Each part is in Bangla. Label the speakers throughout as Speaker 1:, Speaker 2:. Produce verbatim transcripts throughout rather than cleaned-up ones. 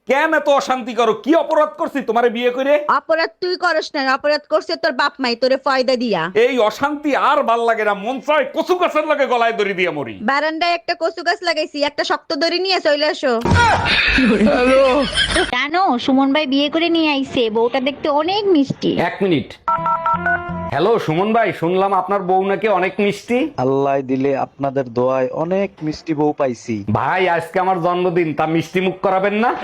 Speaker 1: কেন এত অশান্তি করো? কি অপরাধ করছি তোমারে বিয়ে করে?
Speaker 2: অপরাধ তুই করস না, অপরাধ করছে তোর বাপ মাই তোরে ফয়দা দিয়া।
Speaker 1: এই অশান্তি আর ভাল লাগে না, মন চায় কচু গাছের লগে গলায় দড়ি দিয়ে মরি।
Speaker 2: বারান্দায় একটা কচু গাছ লাগাইছি, একটা শক্ত দড়ি নিয়ে চলে আসো।
Speaker 3: জানো সুমন ভাই বিয়ে করে নিয়ে আইছে, বউটা দেখতে অনেক মিষ্টি।
Speaker 1: এক মিনিট। হ্যালো সুমন ভাই, শুনলাম আপনার বউ নাকি অনেক মিষ্টি।
Speaker 4: আল্লাহ দিলে আপনাদের দোয়ায় অনেক মিষ্টি বউ পাইছি।
Speaker 1: ভাই আজকে আমার জন্মদিন, তা মিষ্টি মুখ করাবেন না?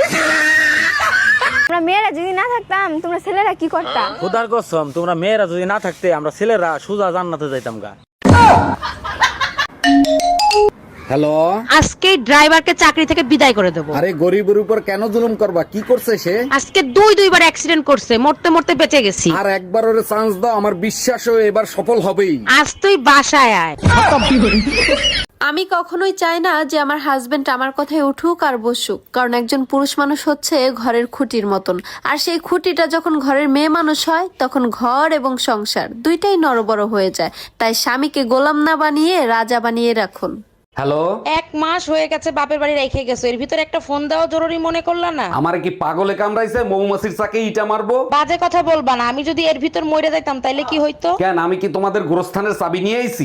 Speaker 5: আমরা মেয়েরা যদি না থাকতাম তোমরা ছেলেরা কি করতা?
Speaker 6: খোদার কসম, তোমরা মেয়েরা যদি না থাকতে আমরা ছেলেরা সোজা জান্নাতে যাইতাম গা।
Speaker 1: হ্যালো,
Speaker 7: আজকে ড্রাইভারকে চাকরি থেকে বিদায় করে দেবো।
Speaker 1: আরে গরিবের উপর কেন জুলুম করবা? কি করছে সে?
Speaker 7: আজকে দুই দুইবার অ্যাক্সিডেন্ট করছে, মরতে মরতে বেঁচে গেছি।
Speaker 1: আর একবার ওরে চান্স দাও, আমার বিশ্বাস ও এবার সফল হবেই।
Speaker 7: আজ তুই বাসায় আয়।
Speaker 8: আমি কখনোই চাই না যে আমার হাজবেন্ড আমার কথায় উঠুক আর বসুক, কারণ একজন পুরুষ মানুষ হচ্ছে ঘরের খুঁটির মতন, আর সেই খুঁটিটা যখন ঘরের মেয়ে মানুষ হয় তখন ঘর এবং সংসার দুইটাই নড়বড় হয়ে যায়। তাই স্বামীকে গোলাম না বানিয়ে রাজা বানিয়ে রাখুন।
Speaker 1: হ্যালো,
Speaker 7: এক মাস হয়ে গেছে বাপের বাড়ি রেখে গেছো, এর ভিতরে একটা ফোন দেওয়া জরুরি মনে করলা না?
Speaker 1: আমার কি পাগলে কামড়াইছে? মৌমাছির চাকে ইটা মারবো?
Speaker 7: বাজে কথা বলবা না, আমি যদি এর ভিতর মরে যাইতাম তাইলে কি হইতো?
Speaker 1: কেন, আমি কি তোমাদের গোরস্থানের চাবি নিয়ে আইছি?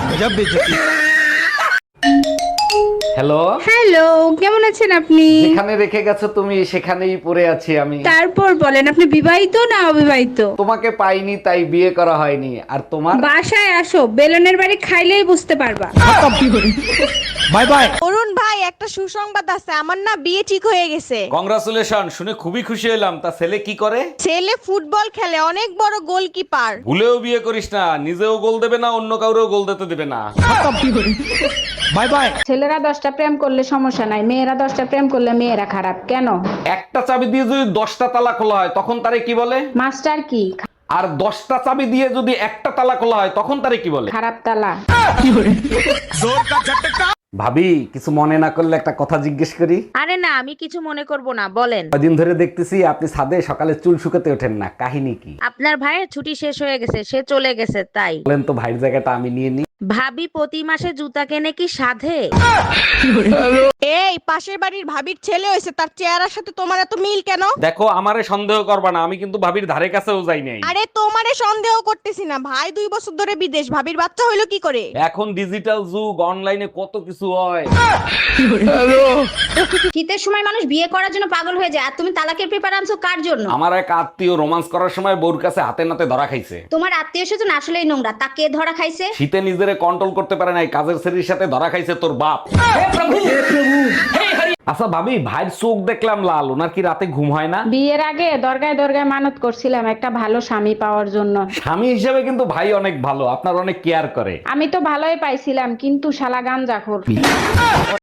Speaker 1: হ্যালো,
Speaker 5: হ্যালো, কেমন আছেন আপনি?
Speaker 1: যেখানে রেখে গেছো তুমি সেখানেই পড়ে আছি আমি।
Speaker 5: তারপর বলেন, আপনি বিবাহিত না অবিবাহিত?
Speaker 1: তোমাকে পাইনি তাই বিয়ে করা হয়নি। আর তোমার?
Speaker 5: বাসায় আসো, বেলনের বাড়ি খাইলেই বুঝতে পারবা।
Speaker 6: Bye bye.
Speaker 2: অরুণ ভাই, একটা সুসংবাদ আছে, আমার না বিয়ে ঠিক হয়ে গেছে।
Speaker 1: কংগ্রাচুলেশন, শুনে খুবই খুশি হলাম। তা ছেলে কি করে?
Speaker 2: ছেলে ফুটবল খেলে, অনেক বড় গোলকিপার।
Speaker 1: ভুলেও বিয়ে করিস না, নিজেও গোল দেবে না, অন্য কাউরেও গোল দিতে দেবে না।
Speaker 6: Bye bye.
Speaker 5: ছেলেরা দশটা প্রেম করলে সমস্যা নাই, মেয়েরা দশটা প্রেম করলে মেয়েরা খারাপ কেন?
Speaker 1: একটা চাবি দিয়ে যদি দশটা তালা খোলা হয় তখন তারে কি বলে?
Speaker 5: মাস্টার কি?
Speaker 1: আর দশটা চাবি দিয়ে যদি একটা তালা খোলা হয় তখন তারে কি বলে?
Speaker 5: খারাপ তালা।
Speaker 1: ভাবি, কিছু মনে না করলে একটা কথা জিজ্ঞেস করি।
Speaker 2: আরে না, আমি কিছু মনে করব না, বলেন।
Speaker 1: কদিন ধরে দেখতেছি আপনি ছাদে সকালে চুল শুকাতে ওঠেন না, কাহিনী কি?
Speaker 2: আপনার ভাইয়ের ছুটি শেষ হয়ে গেছে, সে চলে গেছে তাই।
Speaker 1: বলেন তো, ভাইয়ের জায়গাটা আমি নিয়ে নিই।
Speaker 2: ভাবি প্রতি মাসে জুতা কেনে কি সাধে? এই পাশের বাড়ির ভাবির ছেলে হয়েছে, তার চেহারার সাথে তোমার এত মিল কেন?
Speaker 1: দেখো, আমারে সন্দেহ করবা না, আমি কিন্তু ভাবির ধারে কাছেও যাই নাই।
Speaker 2: আরে তোমারে সন্দেহ করতেছি না, ভাই দুই বছর ধরে বিদেশ, ভাবির বাচ্চা হইলো কি করে?
Speaker 1: এখন ডিজিটাল যুগ, অনলাইনে কত কিছু হয়।
Speaker 3: শীতের সময় মানুষ বিয়ে করার জন্য পাগল হয়ে যায়, আর তুমি তালাকের পেপার আনছো কার জন্য?
Speaker 1: আমার এক আত্মীয় রোমান্স করার সময় বউর কাছে হাতে নাতে ধরা খাইছে।
Speaker 3: তোমার আত্মীয় স্বজন আসলেই নোংরা, তা কে ধরা খাইছে?
Speaker 1: শীতে নিজেরে কন্ট্রোল করতে পারে নাই, কাজের ছেলের সাথে ধরা খাইছে তোর বাপ। আচ্ছা ভাবি, ভাইয়ের চোখ দেখলাম লাল, ওনার কি রাতে ঘুম হয় না?
Speaker 5: বিয়ের আগে দরগায় দরগায় মানত করছিলাম একটা ভালো স্বামী পাওয়ার জন্য।
Speaker 1: স্বামী হিসেবে কিন্তু ভাই অনেক ভালো, আপনার অনেক কেয়ার করে।
Speaker 5: আমি তো ভালোই পাইছিলাম, কিন্তু শালা গাঞ্জাখোর।